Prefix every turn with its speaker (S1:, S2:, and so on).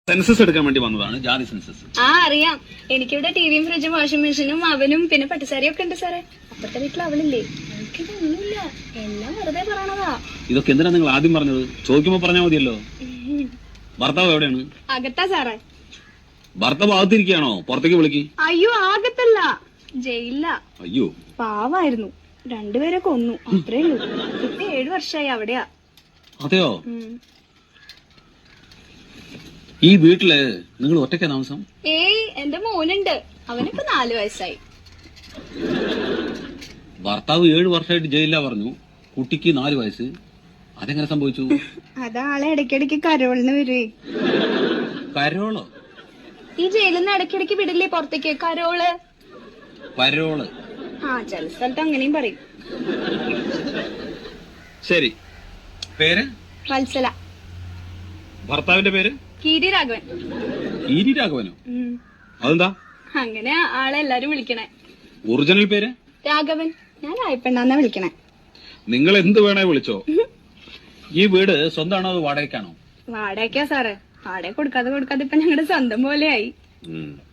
S1: Census എടുക്കാൻ വേണ്ടി വന്നതാണ്, ജാതി സെൻസസ്.
S2: ആ അറിയാം. എനിക്കിവിടെ ടിവിയും ഫ്രിഡ്ജും വാഷിംഗ് മെഷീനും അവനും പിന്നെ പട്ടുസാരിയൊക്കെ ഉണ്ട് സാറേ. അപ്പുറത്തെ വീട്ടിൽ അവളില്ലേ, അവൾക്കിതൊന്നുമില്ല, എല്ലാം വെറുതെ പറയണതാ.
S1: ഇതൊക്കെ എന്തിനാ നിങ്ങൾ ആദ്യം പറഞ്ഞത്? ചോദിക്കുമ്പോ പറഞ്ഞാൽ മതിയല്ലോ. ഭർത്താവ് എവിടെയാണ്?
S2: അകത്താ സാറേ.
S1: ഭർത്താവ് അകത്തിരിക്കുകയാണോ? പുറത്തേക്ക് വിളിക്ക്.
S2: അയ്യോ അകത്തല്ല, ജയിലില്ല.
S1: അയ്യോ
S2: പാവായിരുന്നു, രണ്ടുപേരെ കൊന്നു, അത്രേ ഉള്ളൂ. ഇപ്പൊ 7 വർഷമായി അവിടെയാ.
S1: അതെയോ? ഈ വീട്ടില് നിങ്ങൾ ഒറ്റയ്ക്കാ താമസം?
S2: ഏയ് എന്റെ മോനുണ്ട്, അവനിപ്പോ 4 വയസ്സായി.
S1: ഭർത്താവ് 7 വർഷമായിട്ട് ജയിലിലാ പറഞ്ഞു, കുട്ടിക്ക് 4 വയസ്സ്. അതെങ്ങനെ സംഭവിച്ചു?
S2: അതാളെ ഇടയ്ക്കിടയ്ക്ക് കരോളിന് വരുവേ.
S1: കരോളോ?
S2: ഈ ജയിലിൽ നിന്ന് ഇടയ്ക്കിടയ്ക്ക് വിടില്ലേ പുറത്തേക്ക്, കരോള്.
S1: പരോള്?
S2: ആ ചില സ്ഥലത്ത് അങ്ങനെയും പറയും.
S1: ശരി, പേര്?
S2: വത്സല.
S1: ഭർത്താവിന്റെ പേര്?
S2: കീരി രാഘവൻ.
S1: കീരി രാഘവനോ? അതെന്താ
S2: അങ്ങനെ ആളെ എല്ലാരും വിളിക്കണേ.
S1: ഒറിജിനൽ പേര്?
S2: രാഘവൻ. ഞാൻ രായപ്പെണ്ണാന്നാ വിളിക്കണേ.
S1: നിങ്ങൾ എന്ത് വേണേ വിളിച്ചോ. ഈ വീട് സ്വന്തമാണോ അതോ വാടകയ്ക്കാണോ?
S2: വാടകയ്ക്കാ സാറേ. വാടക കൊടുക്കാതെ ഇപ്പൊ ഞങ്ങളുടെ സ്വന്തം പോലെയായി.